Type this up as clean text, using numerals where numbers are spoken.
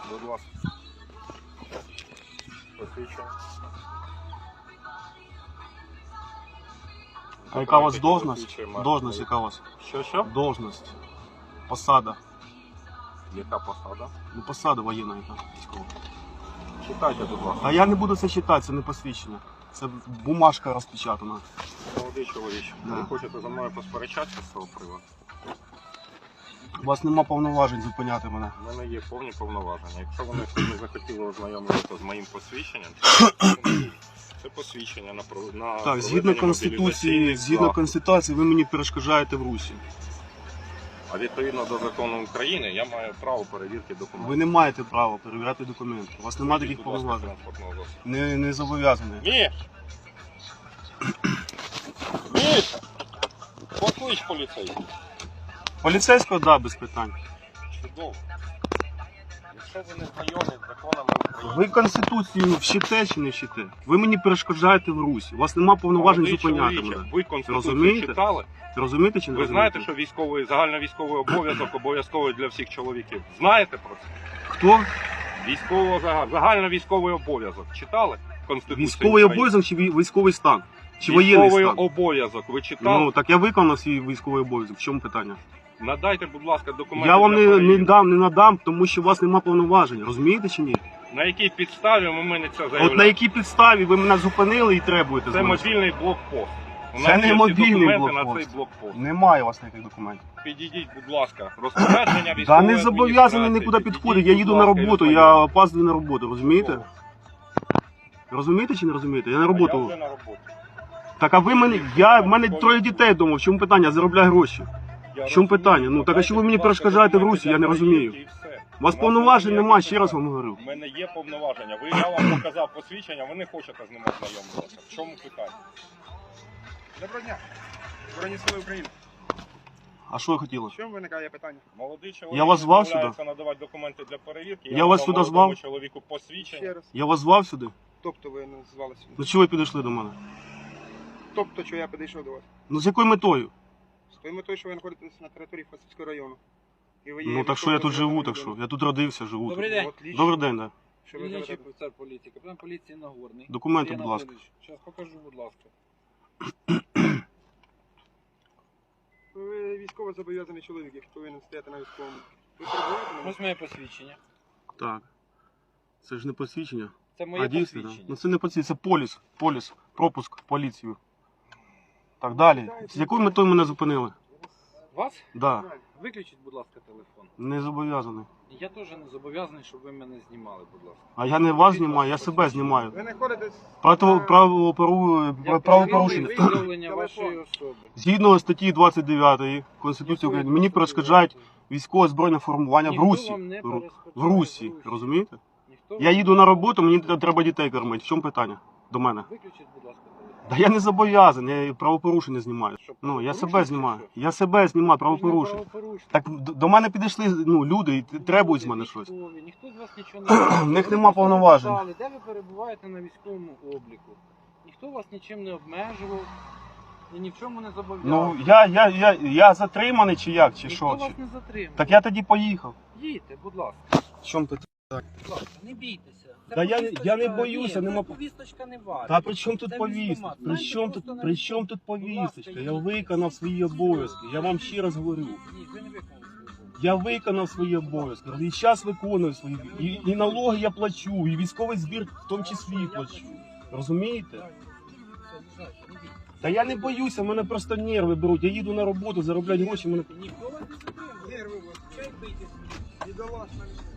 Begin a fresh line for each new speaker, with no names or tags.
Будь ласка. Посвідчення.
А яка у вас должность? Должность яка у вас?
Що?
Должность. Посада.
Яка посада?
Ну посада воєнна яка військова.
Читайте, будь ласка.
А я не буду це читати, це не посвідчення. Це бумажка розпечатана.
Молодий чоловіче,
Да.
ви хочете за мною посперечатися з цього приводу?
У вас нема повноважень зупиняти мене.
У мене є повні повноваження. Якщо вони не захотіли ознайомитися з моїм посвідченням, це посвідчення на
Так, згідно Конституції, ви мені перешкоджаєте в русі.
А відповідно до закону України я маю право перевірки документів.
Ви не маєте права перевіряти документи. У вас немає таких
Будь ласка,
повноважень.
транспортного засобу.
Не зобов'язаний.
Міш! Міш! Поклич поліцейського.
Поліцейського, да, без питань.
Чудово. Якщо ви не знайомі з законами України,
Ви Конституцію вчите чи не вчите? Ви мені перешкоджаєте в русі. У вас нема повноважень
молодий
зупиняти
чоловіче,
мене.
ви Конституцію
Розумієте?
читали?
Розумієте чи не
Ви
розумієте?
знаєте, що загальновійськовий обов'язок обов'язковий для всіх чоловіків? Знаєте про це?
Хто?
Загальновійськовий обов'язок. Читали Конституцію?
Військовий
України?
обов'язок чи військовий стан? Чи воєнний
Військовий
стан?
обов'язок. Ви читали?
Ну, так я виконав свій військовий обов'язок. В чому питання?
Надайте, будь ласка, документи.
Я вам
для
не
перевірки.
надам, тому що у вас нема повноважень. Розумієте чи ні?
На якій підставі ви мене це заявляєте?
От на якій підставі ви мене зупинили і требуєте з
Це
мене?
мобільний блокпост. У
Це
нас
не
є всі
мобільний
документи на
блокпост.
цей блокпост.
Немає у вас таких документів.
Підійдіть, будь ласка, розпорядження
Та
військової
не зобов'язаний нікуди підходити. Я їду на роботу, я опаздую на роботу, розумієте? Розумієте чи не розумієте? Я на
Я
роботу.
вже на роботі.
Так а ви мене, в мене 3 дітей вдома, в чому питання? Я заробляю гроші.
Я
В чому
розумію.
питання? Ну, так а що ви мені
Надайте, будь ласка,
перешкоджаєте в
документи
Русі? Я
для
не розумію.
перевірки і все.
У вас
У
повноважень
немає
немає,
ніяких
ще раз
питань.
вам говорю.
У мене є повноваження. Я вам показав посвідчення, ви не хочете з ним ознайомитися. В чому питання?
Доброго дня, Збройні Сили України.
А що ви хотіли?
В чому виникає питання?
Молодий чоловік
Я вас звав
відмовляється надавати документи для перевірки.
Я вас сюди
надав молодому
звав?
чоловіку посвідчення.
Ще раз.
Я вас звав сюди?
Тобто ви назвали сюди.
Ну чого ви підійшли до мене?
Тобто, що я підійшов до вас.
Ну з якою метою?
З тою метою, що ви знаходитесь на території Фастівського району. І ви є
Ну так що я тут живу,
військовим
так що?
людиною.
Я тут родився, живу.
Добрий
тут.
день.
Отлично.
Добрий день, да.
Що ви
Дільничий
заведете?
офіцер поліції, капітан поліції Нагорний.
Документи,
Сергій
будь ласка.
Анатолійович, Зараз покажу, будь ласка.
Ви військово зобов'язаний чоловік, який повинен стояти на військовому. Ви перебуваєте на
Ось моє посвідчення.
Так. Це ж не посвідчення.
Це моє
А дійсно, да?
посвідчення.
Ну це не посвідчення, це поліс, пропуск в поліцію. Так, далі. З якою метою мене зупинили?
Вас?
Да.
Виключіть, будь ласка, телефон.
Не зобов'язаний.
Я теж не зобов'язаний, щоб ви мене знімали, будь ласка.
А я не вас знімаю, я себе знімаю.
Ви знаходитесь...
Правопорушення.
Виявлення вашої особи.
Згідно статті 29 Конституції України, мені перешкоджають військове збройне формування в
Ніхто
Русі.
вам не перешкоджає
В Русі, розумієте?
Ніхто
Я
вам
їду на роботу, мені треба дітей кормити. В чому питання до мене?
Виключіть, будь ласка, телефон.
Да я не зобов'язаний, я правопорушення знімаю.
Що,
Ну, я себе
правопорушення
знімаю.
чи що?
Я себе знімаю,
Ви ж не
правопорушення.
правопорушник.
Так до мене підійшли люди і требують з мене щось.
Військові, ніхто з вас нічого не робить.
В них
Ви
нема
просто
повноважень.
написали, де ви перебуваєте на військовому обліку. Ніхто вас нічим не обмежував і ні в чому не зобов'язав.
Ну, я затриманий чи як, чи
Ніхто
що?
вас
Чи...
не затримав.
Так я тоді поїхав.
Їдьте, будь ласка.
В чому питання?
Будь ласка, не бійтеся. Це
Та я
повісточка-
не боюся,
Ні,
нема-
це повісточка не ваша.
Та при чому тут
Це
повістка?
військкомат.
При
Знаєте,
чому
просто
тут,
на
при
військкомат.
чому тут
Будь ласка,
повісточка? Я
їдьте.
виконав свої обов'язки. Я вам ще раз говорю.
Ні, ви не виконали свої обов'язки.
Я виконав свої обов'язки. І зараз виконую свої. І налоги я плачу, і військовий збір в тому числі плачу. Розумієте?
Все, їжджайте, не бійтеся.
Та я не боюся, мене просто нерви беруть. Я їду на роботу, заробляю гроші, мене.
Ніхто вас не затримав.
Нерви у вас.
Чай бийтесь.
Бідолашна.